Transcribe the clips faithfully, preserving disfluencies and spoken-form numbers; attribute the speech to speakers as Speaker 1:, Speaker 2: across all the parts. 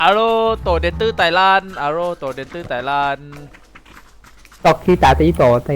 Speaker 1: อาโรโตเดนตื้อไตลันอาโรโตเดนตื้อไตลัน
Speaker 2: Tóc khi tả tí tổ thì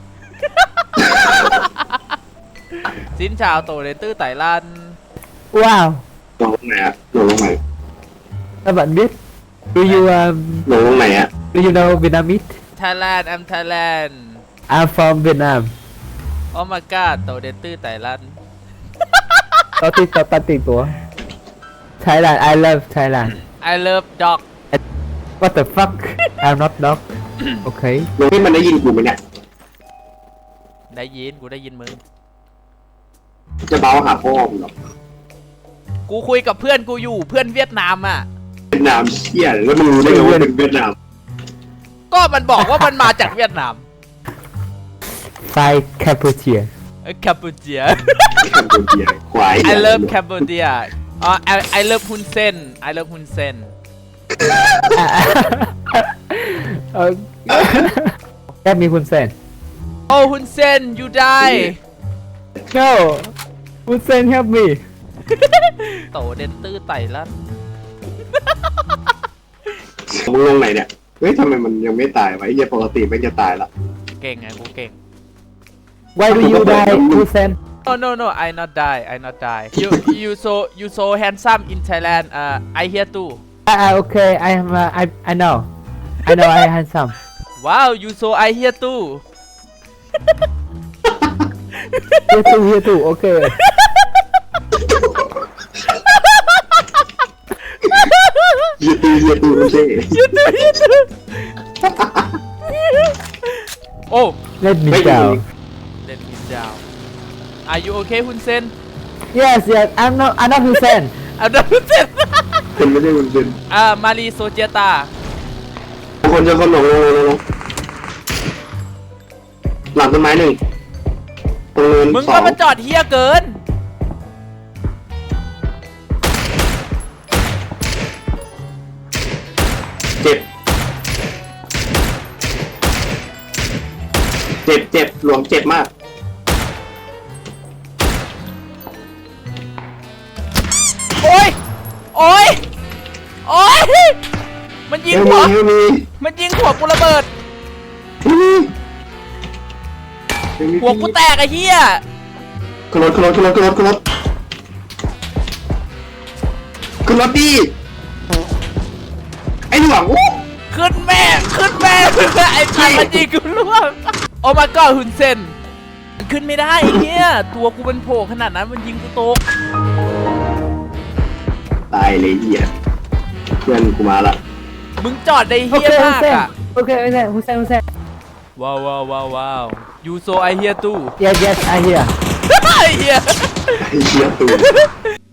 Speaker 1: สินชาวโตเดนตื้อไตลัน
Speaker 2: Wow
Speaker 3: ลงลงไหนอะลงลงไหน
Speaker 2: Các bạn biết Do you um,
Speaker 3: ลงลงไหนอะ
Speaker 2: Do you know Vietnamese
Speaker 1: Thailand I'm Thailand
Speaker 2: I'm from Vietnam
Speaker 1: Oh my god โตเดนตื้อไตลัน
Speaker 2: Tóc tí tổ tả tí tổ Thailand I love Thailand
Speaker 1: I love dog
Speaker 2: What the fuck I'm not dog Okay
Speaker 3: ลงให้มันได้ยินกูไหมเนี่ย
Speaker 1: ได้ยินกูได้ยินมึง
Speaker 3: จะเบาหาพ่อมึงหรอก
Speaker 1: กูคุยกับเพื่อนกูอยู่เพื่อนเวียดนามอ่ะ
Speaker 3: เวียดนามเชี่ยแล้วมึงรู้ได้ไงว่าเป็นเวียดนาม
Speaker 1: ก็มันบอกว่ามันมาจากเวียดนาม
Speaker 2: Five Cambodia
Speaker 1: แคมพูเจีย
Speaker 3: แคมโบเดียควาย
Speaker 1: I love Cambodia อ๋อ I I love ฮุนเซน I love ฮุนเซน
Speaker 2: uh, Help me Hun Sen
Speaker 1: โอ้ฮุนเซน you die
Speaker 2: No Hun Sen help me
Speaker 1: โตเดนตื้อไตลัน
Speaker 3: มึงลงไหนเนี่ยเฮ้ยทำไมมันยังไม่ตายวะไอ้เหี้ยปกติมันจะตายละ
Speaker 1: เก่งไงกูเก่ง
Speaker 2: Why do you die Hun Sen
Speaker 1: No no no I not die I not die you you so you so handsome in Thailand uh I here too
Speaker 2: Ah okay I am uh, I I know I know I handsome
Speaker 1: Wow you so I here too
Speaker 2: Here too here too okay
Speaker 3: เหี้ยตูเหี้ยตูไม่ใช่
Speaker 1: โอ้
Speaker 2: Let me
Speaker 3: ไม่
Speaker 2: down
Speaker 1: เล่นมินดาว Are you okay ฮุนเซน
Speaker 2: Yes yes I'm not I'm not Hun Sen
Speaker 1: อันดับฮุนเซน
Speaker 3: เป็นไม่ได้มันเป็น
Speaker 1: อ่ามารีโซเจตา
Speaker 3: คนจะคนลงลงลงลงหลังต้นไม้หนึ่งตรงเนิน
Speaker 1: มึง
Speaker 3: สอ
Speaker 1: ก็
Speaker 3: ง
Speaker 1: มาจอดเฮียเกิน
Speaker 3: เจ็บเจ็บเจ็บหลวงเจ็บมาก
Speaker 1: โอ้ย โอ้ย โอ้ย มันยิง
Speaker 3: เฮล
Speaker 1: หัว
Speaker 3: มีเฮลมี
Speaker 1: มันยิงหัวกูระเบิด
Speaker 3: เฮลมีเฮลมี
Speaker 1: หัวกูแตกไอ้เฮีย
Speaker 3: ขึ้นรถขึ้นรถขึ้นรถขึ้นรถขึ้นรถขึ้นรถดิไอ้หลวงอู้
Speaker 1: ขึ้นแม่ ขึ้นแม่ ไอ้พันมันยิงกูร่วงโอ้มาก็ฮุนเซน ขึ้นไม่ได้ไอ้เฮียตัวกูเป็นโผล่ขนาดนั้นมันยิงกูตก
Speaker 3: ตายเลยเหี้ยเพื่อนกูมาละ
Speaker 1: มึงจอดได้เฮีย
Speaker 2: Okay Hun
Speaker 1: มาก
Speaker 2: Sen
Speaker 1: อะ
Speaker 2: Okay Hun Sen Hun Sen Hun Sen
Speaker 1: ว้าวว้าวว้าวว้าวยูโซไอเฮียตู้
Speaker 2: Yes yes I hear
Speaker 1: ไอ้เฮีย
Speaker 3: ไอ้เหี้ยตู